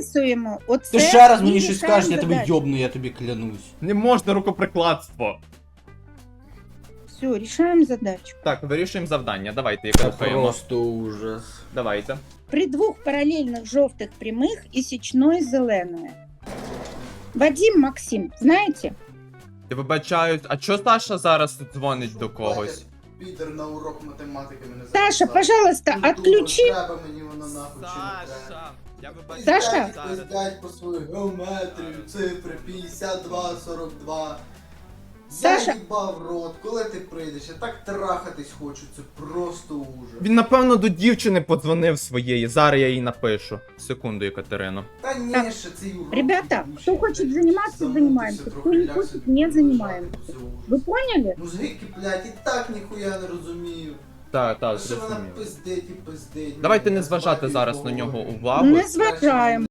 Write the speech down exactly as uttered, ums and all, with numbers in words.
записуємо. Оце Ти ще раз і мені щось рішаємо скажеш, я тебе задачу. йобну, я тобі клянусь. Не можна рукоприкладство. Все, рішаємо задачу. Так, вирішуємо завдання. Давайте, яке рухаємо. Просто ужас. Давайте. При двох паралельних жовтих прямих і січної зеленої. Вадим, Максим, знаєте? Я вибачаюсь, а чо Саша зараз дзвонить до когось? Підер на урок математики мене Саша, записав. пожалуйста, Ну, думаю, отключи. Треба мені воно нахуй чи не треба. я вибачаюсь. Саша? Пиздять, пиздять по свою геометрію, цифри п'ятдесят два сорок два. Саша? Я їбав рот, коли ти прийдеш, я так трахатись хочу, це просто ужас. Він, напевно, до дівчини подзвонив своєї. Зараз я їй напишу. Секунду, Екатерино. Та ні, Так, ще цей урок. ребята, ебучий, хто хоче блядь, займатися, замутився займаємося. трохи, Хто не ляг хоче, собі не полежати, займаємося. це ужас. Ви поняли? Музики, блядь, і так ніхуя не розумію. Так, так, Що вона зрозуміло. пиздить і пиздить. Давайте Я не зважати спати зараз на поговорю. нього увагу. Не зважаємо.